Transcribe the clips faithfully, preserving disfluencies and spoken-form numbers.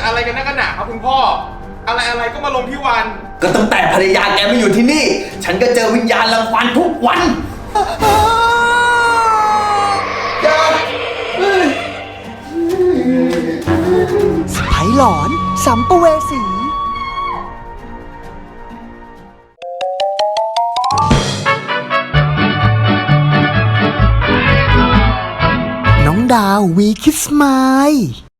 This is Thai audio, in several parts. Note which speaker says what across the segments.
Speaker 1: จะอะไรกันนักกันหนาครับคุณพ่ออะไรอะไรก็มาลงที่วัน
Speaker 2: ก็ตั้งแต่ภรรยาแกมาอยู่ที่นี่ฉันก็เจอวิญญาณรังควานทุกวันอย่า
Speaker 3: สไปหลอนสัมภเวสีน้องดาววีคิสมาย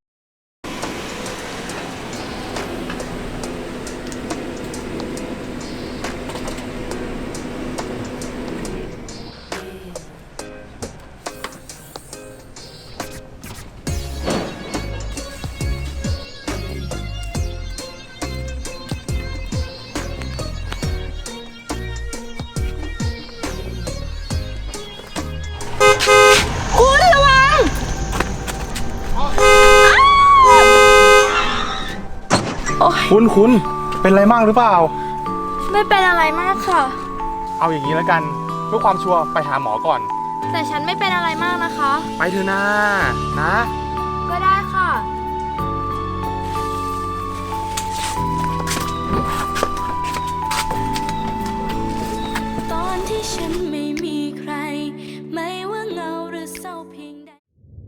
Speaker 1: คุณคุณเป็นอะไรมากหรือเปล่า
Speaker 4: ไม่เป็นอะไรมากค่ะ
Speaker 1: เอาอย่างนี้แล้วกันเพื่อความชัวร์ไปหาหมอก่อน
Speaker 4: แต่ฉันไม่เป็นอะไรมากนะคะ
Speaker 1: ไปเถอะนะนะ
Speaker 4: ก็ได้ค่ะตอนที่ฉันไม่มีใครไม่ว่าเงาหรือเศร้าเพียงใด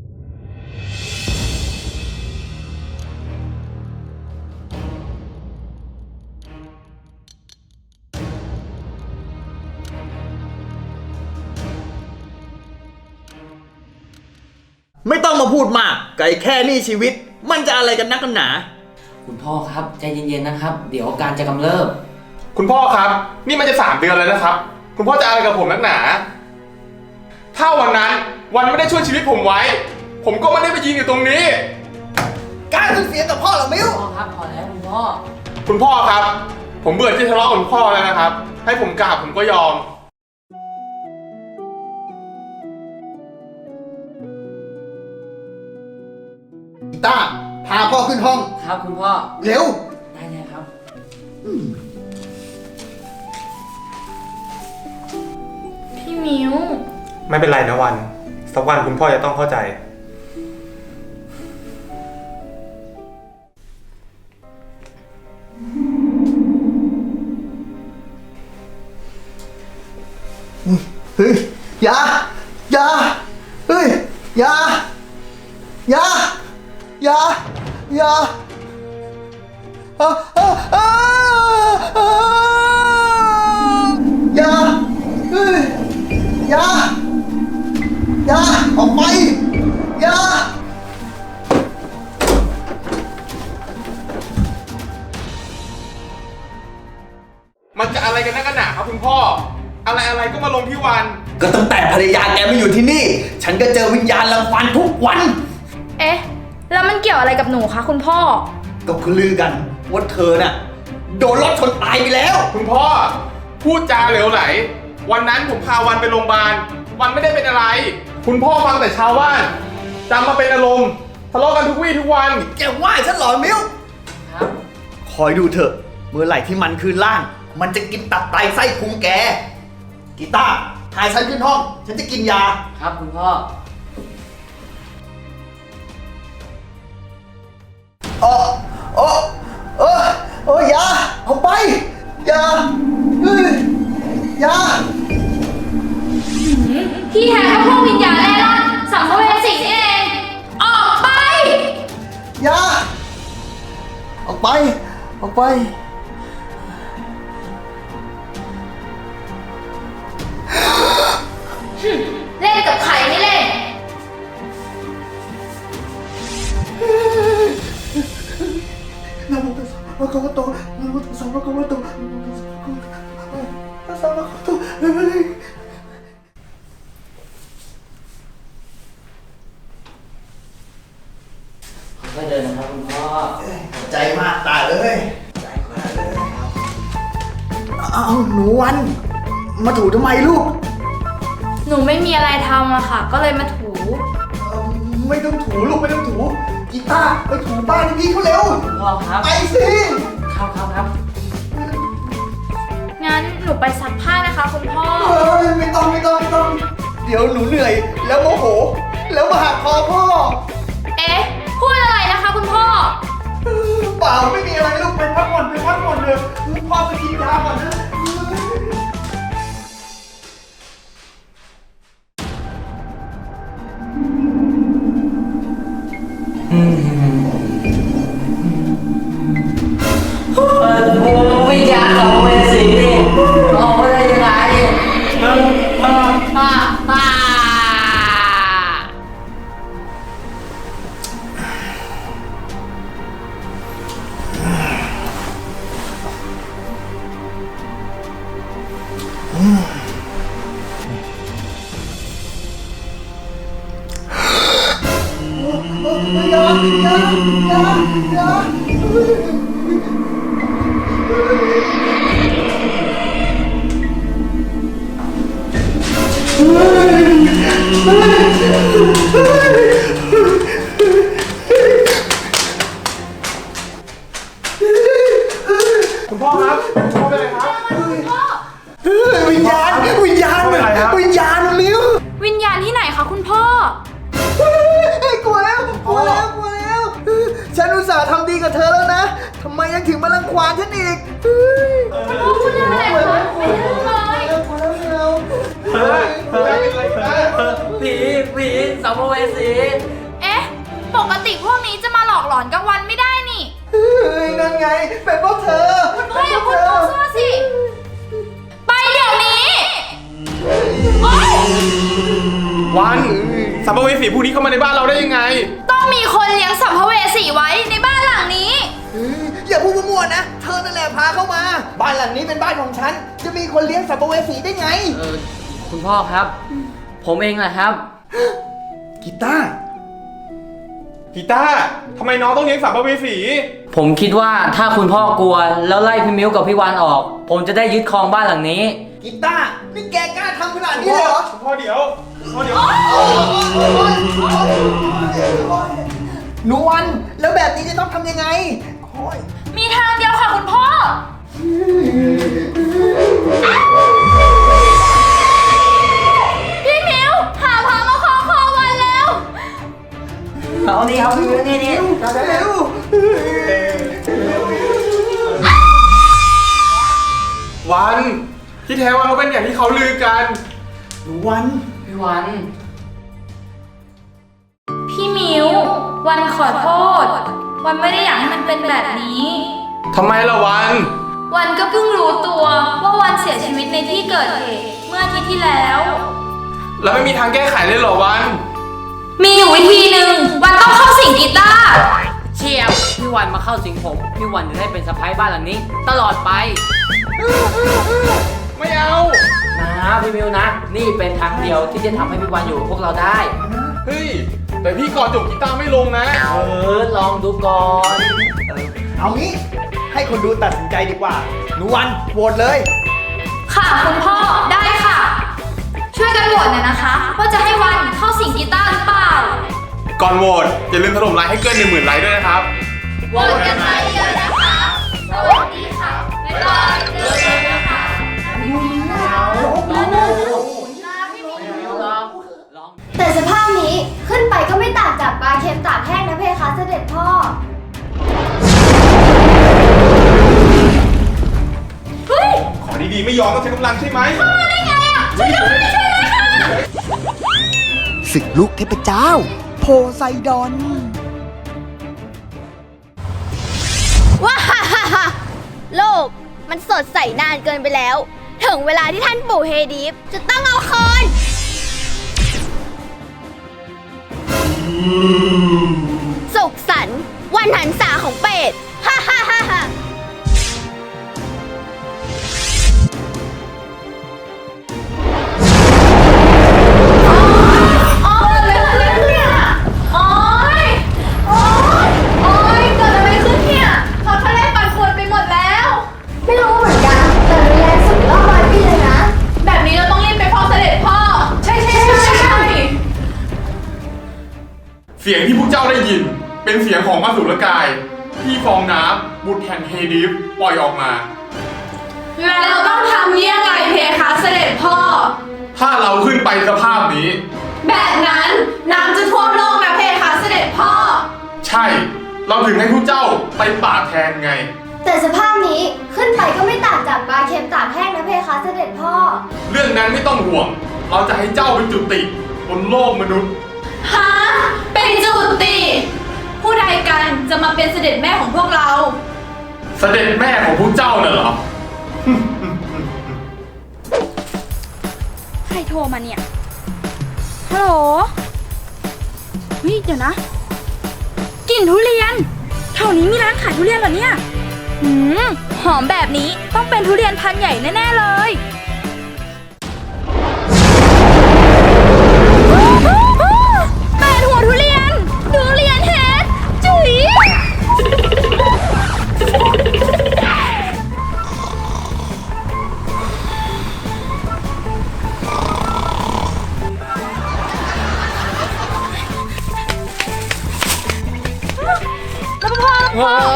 Speaker 2: ไม่ต้องมาพูดมากไก่แค่นี้ชีวิตมันจะอะไรกันนักกันหนา
Speaker 5: คุณพ่อครับใจเย็นๆนะครับเดี๋ยวอาการจะกำเริบ
Speaker 1: คุณพ่อครับนี่มันจะสามเดือนแล้วนะครับคุณพ่อจะอะไรกับผมนักหนาถ้าวันนั้นวันไม่ได้ช่วยชีวิตผมไว้ผมก็ไม่ได้ไปยืนอยู่ตรงนี้
Speaker 2: การสูญเสียกับพ่อเหรอมิว
Speaker 5: พ่อครับพอแล้วคุณพ่อ
Speaker 1: คุณพ่อครับผมเบื่อที่ทะเลาะกับคุณพ่อแล้วนะครับให้ผมกราบผมก็ยอม
Speaker 2: ต้าพาพ่อขึ้นห้อง
Speaker 5: ครับคุณพ่อ
Speaker 2: เร็ว
Speaker 5: ได้เลยครับ
Speaker 4: พี่มิว
Speaker 1: ไม่เป็นไรนะวันสักวันคุณพ่อจะต้องเข้าใจ
Speaker 2: เฮ้ยอย่าอย่าเฮ้ยอย่าอย่าอย่าอย่าอ่าอ่าอ่าอย่าเฮ้ยอย่าอย่าออกไปอย่า
Speaker 1: มันจะอะไรกันนักกันหนาครับคุณพ่ออะไรอะไรก็มาลงที่วัน
Speaker 2: ก็ตั้งแต่ภรรยาแกมาอยู่ที่นี่ฉันก็เจอวิญญาณรังควานทุกวัน
Speaker 4: เอ๊ะแล้วมันเกี่ยวอะไรกับหนูคะคุณพ่อ
Speaker 2: ก็คือลือกันว่าเธอน่ะโดนรถชนตายไปแล้ว
Speaker 1: คุณพ่อพูดจาเหลวไหลวันนั้นผมพาวันไปโรงพยาบาลวันไม่ได้เป็นอะไรคุณพ่อฟังแต่ชาวบ้านจำมาเป็นอารมณ์ทะเลาะกันทุกวี่ทุกวัน
Speaker 2: แกว่าฉันเหรอมิว
Speaker 5: ครับ
Speaker 2: คอยดูเถอะเมื่อไหร่ที่มันคืนร่างมันจะกินตับไตไส้พุงแกกีตาร์พาฉันขึ้นห้องฉันจะกินยา
Speaker 5: ครับคุณพ่อ
Speaker 2: โอ้โอ้โอ้โอ้ยาเอาไปยาเฮ้ยยา
Speaker 4: ที่แท้ก็พวกวิญญาณแร่ร่อนสัมภเวสีนี่เองออกไป
Speaker 2: ยาออกไปออกไป
Speaker 4: เล่นกับใครไม่เล่น
Speaker 2: นะโมตัสสะภะคะวะโตนะโมตัสสะภะคะวะโตนะโมตัสสะภะคะวะโตตัสสะภะคะวะโต
Speaker 5: ค่อยๆเดินนะครับคุณพ่อ
Speaker 2: ใจมากตายเลยใจมากเลยเอาหนูวันมาถูทำไมลูก
Speaker 4: หนูไม่มีอะไรทำอะค่ะก็เลยมาถู
Speaker 2: ไม่ต้องถูลูกไม่ต้องถูกีตาร์ไปถูบ้านพี่เขาเร็ว
Speaker 5: พ่อครับ
Speaker 2: ไปสิ
Speaker 5: ครับครับครับ
Speaker 4: งั้นหนูไปซักผ้านะคะคุณพ่อ
Speaker 2: เฮ้ยไม่ต้องไม่ต้องไม่ต้องเดี๋ยวหนูเหนื่อยแล้วโมโหแล้วมาหักคอพ่อ
Speaker 4: เอ๊ะพูดอะไรนะคะคุณพ่อ
Speaker 1: คุณพ่อครับคุณพ่อเป็นไรครับ
Speaker 2: เฮ้ยวิญญาณวิญญาณ
Speaker 1: อะไรครับ
Speaker 2: วิญญาณมิ้ว
Speaker 4: วิญญาณที่ไหนคะคุณพ่อ
Speaker 2: เฮ้ยกลัวแล้วกลัวแล้วกลัวแล้วฉันอุตส่าห์ทำดีกับเธอแล้วนะทำไมยังถึงมารังควานฉันอีกเฮ้ย
Speaker 4: พ่อพูดเรื่องอะไรคะไม่รู้เลย
Speaker 2: กลัวแล้วกลัวแล้ว
Speaker 1: เฮ้ยเป็นไรกันนะ
Speaker 5: ผีผีสัมภเวสี
Speaker 4: เอ๊ะ ปกติพวกนี้จะมาหลอกหลอนกลางวันไม่ได้นี่
Speaker 2: เฮ้ยนั่นไงเป็นเพราะเธอ
Speaker 4: คุณพ่ออย่าพูดมั่วซั่วสิ ไปเดี๋ยวนี้โอ๊ย
Speaker 1: วันสัมภเวสีผู้นี้เข้ามาในบ้านเราได้ยังไง
Speaker 4: ต้องมีคนเลี้ยงสัมภเวสีไว้ในบ้านหลังนี้
Speaker 2: เฮ้ยอย่าพูดมั่วๆนะ เธอนั่นแหละพาเข้ามา บ้านหลังนี้เป็นบ้านของฉัน จะมีคนเลี้ยงสัมภเวสีได้ไง
Speaker 5: เออคุณพ่อครับ ผมเองแหละครับ
Speaker 2: กีตาร์
Speaker 1: กีตาร์ทำไมน้องต้องเลี้ยงสัมภเวสี
Speaker 5: ผมคิดว่าถ้าคุณพ่อกลัวแล้วไล่พี่มิ้วกับพี่วานออก ผมจะได้ยึดครองบ้านหลังนี้
Speaker 2: กีตาร์นี่แกกล้าทำขนาด
Speaker 1: คุณ
Speaker 2: นี้
Speaker 1: พ่
Speaker 2: เลยเหรอ
Speaker 1: คุณพ่อเดี๋ยวคุณพ่อเดี๋ยว
Speaker 2: หนูวัน แล้วแบบนี้จะต้องทำยังไงโอ้ย
Speaker 4: มีทางเดียวค่ะคุณพ่อ พี่มิวหาพามาคอคอวันแล้ว
Speaker 5: เอานี่เอานี่นี่นี่
Speaker 2: เร็ว
Speaker 1: วันที่แท้ว่าเขาเป็นอย่างที่เขาลือกัน
Speaker 2: หนูวัน
Speaker 5: พี่วาน
Speaker 4: พี่มิววันขอโทษ วันไม่ได้อยากให้มันเป็นแบบนี้
Speaker 1: ทำไมล่ะวัน
Speaker 4: วันก็เพิ่งรู้ตัวว่าวันเสียชีวิตในที่เกิดเหตุเมื่ออาทิตย์ที่แล้ว
Speaker 1: แล้วไม่มีทางแก้ไขเลยเหรอวัน
Speaker 4: มีอยู่วิธีหนึ่งวันต้องเข้าสิงกีตาร์
Speaker 5: เชียบพี่วันมาเข้าสิงผมพี่วันจะได้เป็นสะพ้ายบ้านหลังนี้ ตลอดไป
Speaker 1: ไม่เอา
Speaker 5: นะพี่มิวนะ นี่เป็นทางเดียวที่จะทำให้พี่วันอยู่กับพวกเราได้
Speaker 1: เฮ้ย แต่พี่กอดจบกีตาร์ไม่ลงนะ
Speaker 5: เออลองดูก่อน
Speaker 2: เอางี้ ให้คนดูตัดสินใจดีกว่า หนูวันโหวตเลย
Speaker 4: ค่ะคุณพ่อได้ค่ะ ช่วยกันโหวตหน่อยนะคะ ว่าจะให้วันเข้าสิงกีตาร์หรือเปล่า
Speaker 1: ก่อนโหวตอย่าลืมถล่มไลค์ให้เกินหนึ่งหมื่นไลค์ด้วยนะครับ
Speaker 4: โหวตกันมาเยอะนะคะ สวัสดีค่ะบ๊ายบายเจอกันนะคะ
Speaker 6: แต่สภาพนี้ขึ้นไปก็ไม่ต่างจากปลาเค็มตากแห้งนะเพคะเสด็จพ่อ
Speaker 4: เฮ้ย
Speaker 1: ขอดีๆไม่ยอมต้องใช้กำลังใช่ไหม
Speaker 4: ได้ไงอ่ะช่วยด้วยช่วยด้วยค่ะ
Speaker 3: ศึกลูกเทพเจ้า โพไซดอน
Speaker 6: ว้าฮ่าฮ่าฮ่าโลกมันสดใสนานเกินไปแล้ว ถึงเวลาที่ท่านปู่เฮดิฟจะต้องเอาคอนสุขสันต์วันหันษาของเป็ด ฮ่าฮ่าฮ่าฮ่า
Speaker 4: โอ๊ยเกิดอะไรขึ้นเนี่ยโอ๊ยโอ๊ยโอ๊ยเกิดอะไรขึ้นเนี่ยพอทะเลปั่นป่วนไปหมดแล้ว
Speaker 6: ไม่รู้เหมือนกัน แต่รุนแรงสุดรอบร้อยปีเลยนะ
Speaker 4: แบบนี้เราต้องรีบไปฟ้องเสด็จพ่อ ใช่ใช่ใช่ใช่
Speaker 1: เสียงที่พวกเจ้าได้ยิน เป็นเสียงของอสุรกาย ที่ฟองน้ำบุตรแห่งเฮดิฟปล่อยออกมา
Speaker 4: แล้วเราต้องทำยังไงเพคะเสด็จพ่อ
Speaker 1: ถ้าเราขึ้นไปสภาพนี้
Speaker 4: แบบนั้นน้ำจะท่วมโลกนะเพคะเสด็จพ่อ
Speaker 1: ใช่ เราถึงให้พวกเจ้าไปป่าบแทนไง
Speaker 6: แต่สภาพนี้ขึ้นไปก็ไม่ต่างจากปลาเค็มตากแห้งนะเพคะเสด็จพ่อ
Speaker 1: เรื่องนั้นไม่ต้องห่วง เราจะให้เจ้าเป็นจุติบนโลกมนุษย์
Speaker 4: ฮะ เป็นจุติ ผู้ใดกันจะมาเป็นเสด็จแม่ของพวกเรา
Speaker 1: เสด็จแม่ของพวกเจ้าน่ะเหรอ
Speaker 4: ใครโทรมาเนี่ย ฮัลโหลเฮ้ยเดี๋ยวนะ กลิ่นทุเรียนแถวนี้มีร้านขายทุเรียนเหรอเนี่ย หืม หอมแบบนี้ต้องเป็นทุเรียนพันธุ์ใหญ่แน่ๆเลยแปดหัวทุเรียนทุเรียนเฮดจุ๋ย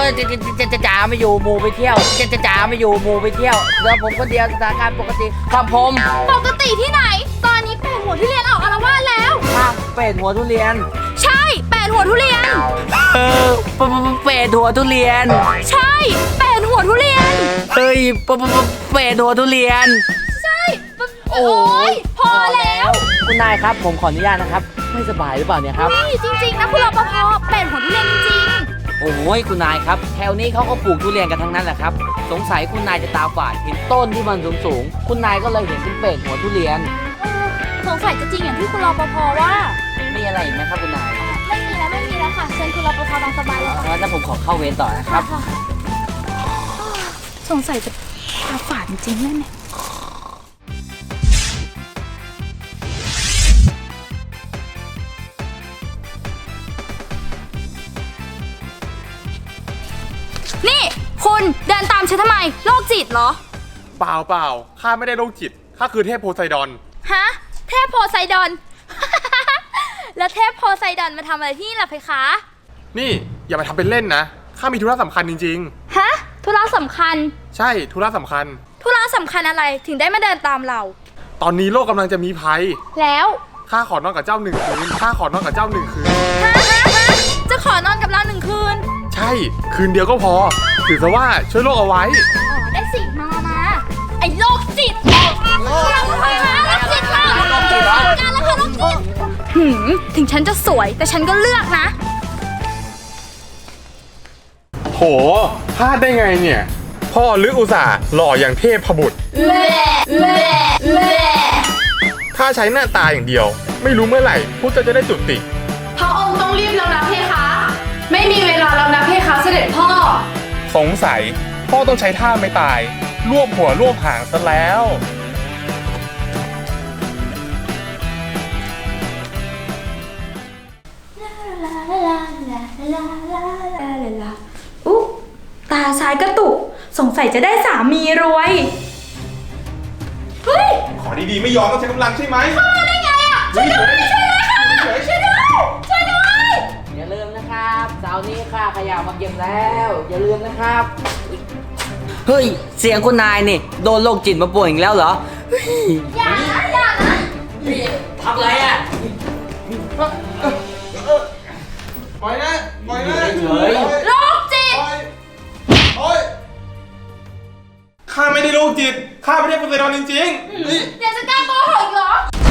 Speaker 5: จะจะจะจะจ๋าไม่อยู่หมูไปเที่ยวจะจะจ๋าไม่อยู่หมูไปเที่ยวแล้วผมคนเดียวสถานการณ์ปกติครับผม
Speaker 4: ปกติที่ไหน ตอนนี้แปดหัวทุเรียนออกอาละวาดแล้ว
Speaker 5: ข้ามเป็ดหัวทุเรียน
Speaker 4: ใช่แปดหัวทุเรียน
Speaker 5: เออปะปะปะเป็ดหัวทุเรียน
Speaker 4: ใช่แปดหัวทุเรียน
Speaker 5: เฮ้ยปะปะปะเป็ดหัวทุเรียน
Speaker 4: ใช่ปะ
Speaker 5: โอ้
Speaker 4: โอ้ยพอแล้ว
Speaker 5: คุณนายครับผมขออนุญาตนะครับไม่สบายหรือเปล่าเนี่ยครับ
Speaker 4: นี่จริงๆนะคุณรปภแปดหัวทุเรียนจริง
Speaker 5: โอ้ยคุณนายครับแถวนี้เขาก็ปลูกทุเรียนกันทั้งนั้นแหละครับสงสัยคุณนายจะตาฝาดเห็นต้นที่มันสูงๆคุณนายก็เลยเห็นเป็นเป็ดหัวทุเรียน
Speaker 4: ๆเออสงสัยจะจริงอย่างที่คุณรปภว่า
Speaker 5: มีอะไรอีกไหมครับคุณนาย
Speaker 4: ไม่มีแล้วไม่มีแล้วค่ะเชิญคุณรปภตามสบายเลยค่ะ
Speaker 5: งั้นผมขอเข้าเวรต่อนะครับ
Speaker 4: ค่ะสงสัยจะตาฝาดจริงๆแน่เนี่ยนี่คุณเดินตามฉันทำไมโรคจิตเหรอ
Speaker 1: เปล่าเปล่าข้าไม่ได้โรคจิตข้าคือเทพโพไซดอน
Speaker 4: ฮะ เทพโพไซดอน แล้วเทพโพไซดอนมาทำอะไรที่นี่ล่ะเพคะ
Speaker 1: นี่อย่ามาทำเป็นเล่นนะข้ามีธุระสำคัญจริง
Speaker 4: ฮะ ธุระสำคัญ
Speaker 1: ๆ ใช่ธุระสำคัญ
Speaker 4: ธุระสำคัญอะไรถึงได้มาเดินตามเรา
Speaker 1: ตอนนี้โลกกำลังจะมีภัย
Speaker 4: แล้ว
Speaker 1: ข้าขอนอนกับเจ้าหนึ่งคืนข้าขอนอนกับเจ้าหนึ่งคืน
Speaker 4: ฮะฮะฮะจะขอนอนกับเราหนึ่งคืน
Speaker 1: ใช่ คืนเดียวก็พอ ถือซะว่าช่วยโลกเอาไว้
Speaker 4: อ๋อ ได้สิ มามาไอ้โรคจิตเราทำไมมาโรคจิตมาโรคจิตมาการแล้วค่ะโรคจิตหืมถึงฉันจะสวยแต่ฉันก็เลือกนะ
Speaker 1: โหพลาดได้ไงเนี่ย พ่อลึกอุตส่าห์หล่ออย่างเทพบุตร ถ้าใช้หน้าตาอย่างเดียว ไม่รู้เมื่อไหร่พุทธจะได้จุติ
Speaker 7: พระองค์ต้องรีบแล้วนะเพคะ ไม่มีเวลาแล้วนะเพคะเสด็จพ่อ
Speaker 1: สงสัยพ่อต้องใช้ท่าไม่ตาย รวบหัวรวบหางซะแล้ว
Speaker 4: อุ๊ตาซ้ายกระตุก สงสัยจะได้สามีรวย เฮ้ย
Speaker 1: ขอดีๆไม่ยอมต้องใช้กำลังใช่ไหม
Speaker 4: ได้ไงอ่ะ ช่วยด้วยช่วยด้วยค่ะช่วยด้วยช่วยด้วย
Speaker 5: อย่าลืมนะครับเสาร์นี้ค่าขยะมาเก็บแล้ว อย่าลืมนะครับ เฮ้ย เสียงคุณนายนี่โดนโรคจิตมาป่วยอีกแล้วเหรอ
Speaker 4: อย่านะอย่านะ
Speaker 5: ทำไรอ่ะ
Speaker 1: ปล่อยนะปล่อยนะ
Speaker 5: เฉย
Speaker 4: โรคจิต
Speaker 1: ปล่อยโอ๊ยข้าไม่ได้โรคจิต ข้าไม่ได้โพไซดอนจริงๆนี่
Speaker 4: อยากจะกล้าโกหกอีกเหรอ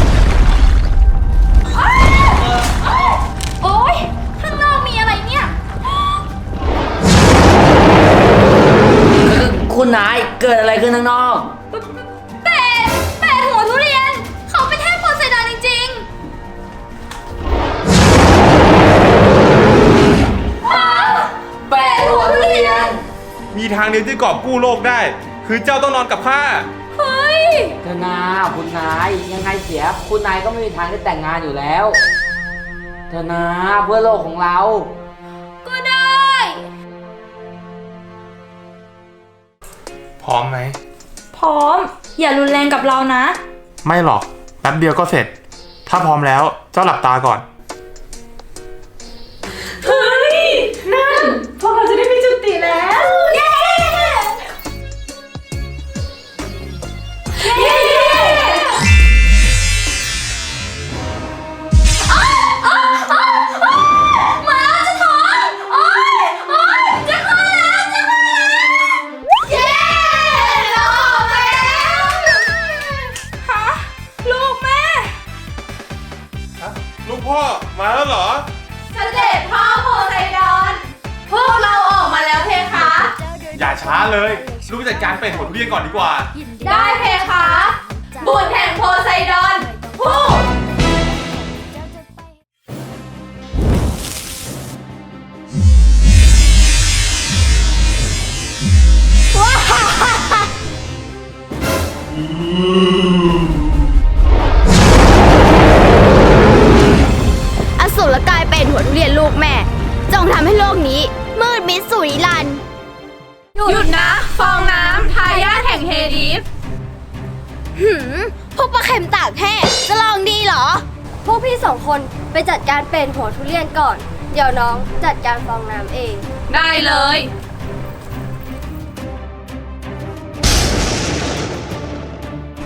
Speaker 4: อ้าวอ้าวโอ๊ย ข้างนอกมีอะไรเนี่ย
Speaker 5: คุณนายเกิดอะไรขึ้นข้างนอก
Speaker 4: เป็ดเป็ดหัวทุเรียน เขาเป็นเทพโพไซดอนจริงๆฮะเป็ดหัวทุเรียน
Speaker 1: มีทางเดียวที่กอบกู้โลกได้ คือเจ้าต้องนอนกับข้า
Speaker 4: เฮ้ย
Speaker 5: เธอนาคุณนายยังไงเสีย คุณนายก็ไม่มีทางได้แต่งงานอยู่แล้ว เธอนาเพื่อโลกของเรา
Speaker 4: ก็ได้
Speaker 1: พร้อมไหม
Speaker 4: พร้อม อย่ารุนแรงกับเรานะ
Speaker 1: ไม่หรอก แป๊บเดียวก็เสร็จ ถ้าพร้อมแล้ว เจ้าหลับตาก่อน
Speaker 4: เฮ้ย นั่น พวกเราจะได้ไปจุติแล้ว เย้ เย้อ้าวอ้าวอ้าวอ้าวมาแล้วจะท้องโอ๊ยโอ๊ยจะคลอดแล้วจะคลอดแล้วเย้เราออกมาแล้วฮะลูกแม่
Speaker 1: ลูกพ่อ มาแล้วเหรอ
Speaker 7: เสด็จพ่อโพไซดอน พวกเราออกมาแล้วเพคะ
Speaker 1: อย่าช้าเลย ลูกจัดการเป็ดหัวทุเรียนก่อนดีกว่า
Speaker 7: ได้เพคะ บุตรแห่งโพไซดอนผู้
Speaker 6: อสูรกายเป็นหัวทุเรียนลูกแม่ จงทำให้โลกนี้ มืดมิดสุริรันดร์
Speaker 7: หยุดนะ ฟองน้ำทายาทแห่งเฮดิฟ
Speaker 6: หืม พวกปลาเค็มตากแห้งจะลองดีเหรอ พวกพี่สองคนไปจัดการเป็นหัวทุเรียนก่อน เดี๋ยวน้องจัดการฟองน้ำเอง
Speaker 7: ได้เลย
Speaker 6: ไ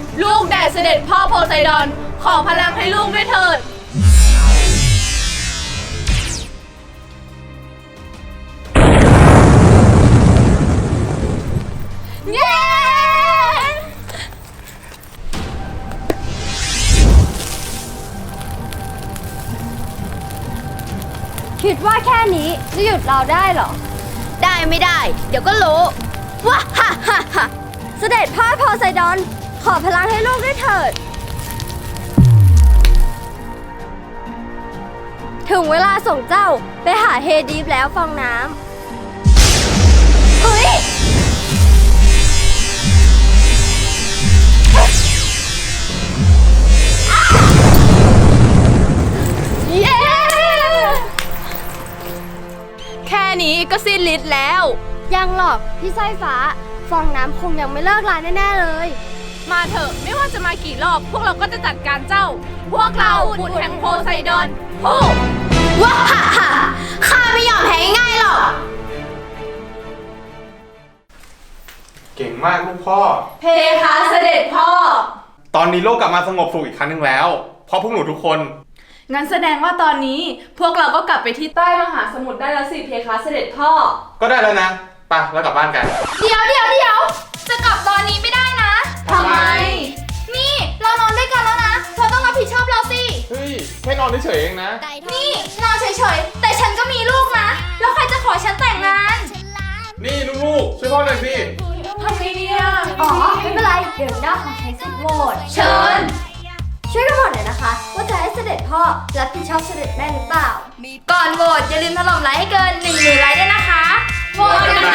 Speaker 7: ลูกแด่เสด็จพ่อโพไซดอน ขอพลังให้ลูกด้วยเถิด เย้
Speaker 6: คิดว่าแค่นี้จะหยุดเราได้เหรอ ได้ไม่ได้ เดี๋ยวก็รู้ว้าฮ่าฮ่าฮ่าเสด็จพ่อโพไซดอน ขอพลังให้ลูกด้วยเถิด ถึงเวลาส่งเจ้าไปหาเฮดีฟแล้วฟองน้ำเฮ้ย เย้
Speaker 7: แค่นี้ก็สิ้นฤทธิ์แล้ว
Speaker 6: ยังหรอกพี่สร้อยฟ้า ฟองน้ำคงยังไม่เลิกลาแน่ๆเลย
Speaker 7: มาเถอะไม่ว่าจะมากี่รอบ พวกเราก็จะจัดการเจ้า พวกเราบุตรแห่งโพไซดอนผู้
Speaker 6: ว้าฮ่าฮ่าข้าไม่ยอมแพ้ง่ายๆหรอก
Speaker 1: เก่งมากลูกพ่อ
Speaker 7: เพคะเสด็จพ่อ
Speaker 1: ตอนนี้โลกกลับมาสงบสุขอีกครั้งหนึ่งแล้ว เพราะพวกหนูทุกคน
Speaker 7: งั้นแสดงว่าตอนนี้พวกเราก็กลับไปที่ใต้มหาสมุทรได้แล้วสิเพคะเสด็จพ่อ
Speaker 1: ก็ได้แล้วนะไปแล้วกลับบ้านกัน
Speaker 4: เดี๋ยวเดี๋ยวเดี๋ยวจะกลับตอนนี้ไม่ได้นะ
Speaker 7: ทำไม
Speaker 4: นี่เรานอนด้วยกันแล้วนะ เธอต้องรับผิดชอบเราสิ
Speaker 1: เฮ้ยแค่นอนเฉยๆเองนะ
Speaker 4: นี่นอนเฉยๆ แต่ฉันก็มีลูกนะ แล้วใครจะขอฉันแต่งงาน
Speaker 1: นี่ลูกๆช่วยพ่อหน่อยสิ
Speaker 7: ทำไงเนี่ย
Speaker 6: อ๋อ ไม่เป็นไร เดี๋ยวหน้าขอใช้สิทธิ์โหวต
Speaker 7: เชิญ
Speaker 6: ช่วยกันโหวตหน่อยนะคะ ว่าจะให้เสด็จพ่อรับผิดชอบเสด็จแม่หรือเปล่า
Speaker 4: ก่อนโหวตอย่าลืมถล่มไลค์ให้เกินหนึ่งหมื่นไลค์ด้วยนะคะ โหวตกัน